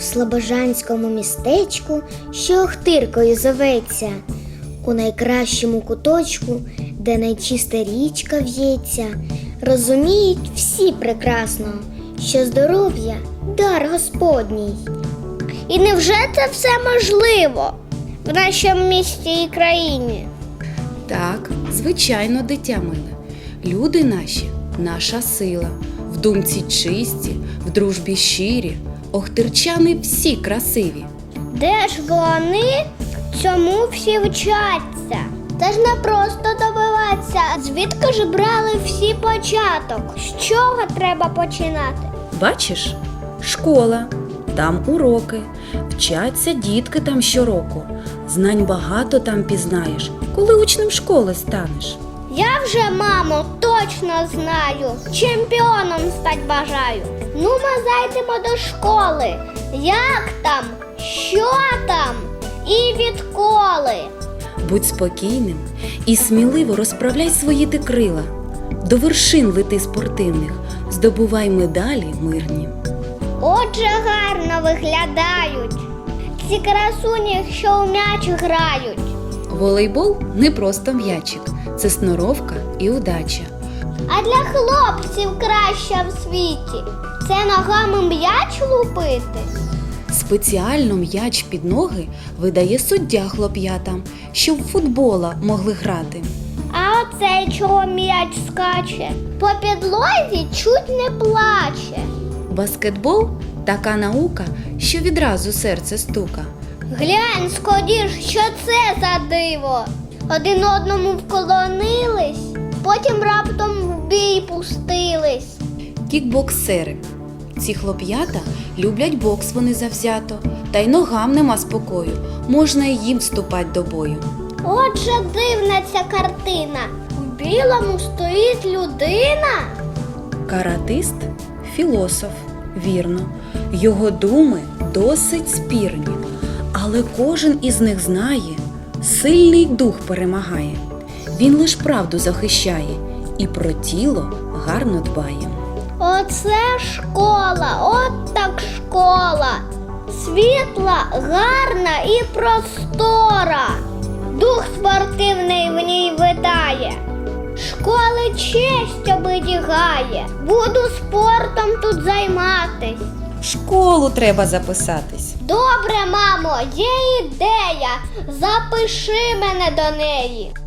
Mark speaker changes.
Speaker 1: слобожанському містечку, що Охтиркою зоветься, у найкращому куточку, де найчиста річка в'ється, розуміють всі прекрасно, що здоров'я – дар Господній. І невже це все можливо в нашому місті і країні?
Speaker 2: Так, звичайно, дитя миле. Люди наші – наша сила. В думці чисті, в дружбі щирі. Охтирчани всі красиві.
Speaker 1: Де ж вони цьому всі вчаться? Це ж не просто добиватися. Звідки ж брали всі початок? З чого треба починати?
Speaker 2: Бачиш? Школа. Там уроки. Вчаться дітки там щороку. Знань багато там пізнаєш, коли учнем школи станеш.
Speaker 1: Я вже, мамо, точно знаю. Чемпіоном стать бажаю. Ну, ми зайдемо до школи. Як там? Що там? І відколи?
Speaker 2: Будь спокійним і сміливо розправляй свої ти крила. До вершин лети спортивних, здобувай медалі мирні.
Speaker 1: Отже, гарно виглядають ці красуні, що у м'яч грають.
Speaker 2: Волейбол не просто м'ячик, це сноровка і удача.
Speaker 1: А для хлопців краще в світі – це ногами м'яч лупити.
Speaker 2: Спеціально м'яч під ноги видає суддя хлоп'ятам, щоб в футбола могли грати.
Speaker 1: А оцей чого м'яч скаче? По підлозі чуть не плаче.
Speaker 2: Баскетбол – така наука, що відразу серце стука.
Speaker 1: Глянь, скоріш, що це за диво? Один одному вклонились, потім раптом в бій пустились.
Speaker 2: Кікбоксери. Ці хлоп'ята люблять бокс вони завзято, та й ногам нема спокою, можна й їм вступать до бою.
Speaker 1: Отже, дивна ця картина. В білому стоїть людина.
Speaker 2: Каратист – філософ, вірно. Його думи досить спірні, але кожен із них знає, сильний дух перемагає. Він лиш правду захищає і про тіло гарно дбає.
Speaker 1: Оце школа, от так школа. Світла, гарна і простора. Дух спортивний в ній витає. Школи честь оберігає. Буду спортом тут займатись.
Speaker 2: В школу треба записатись.
Speaker 1: Добре, мамо, є ідея. Запиши мене до неї.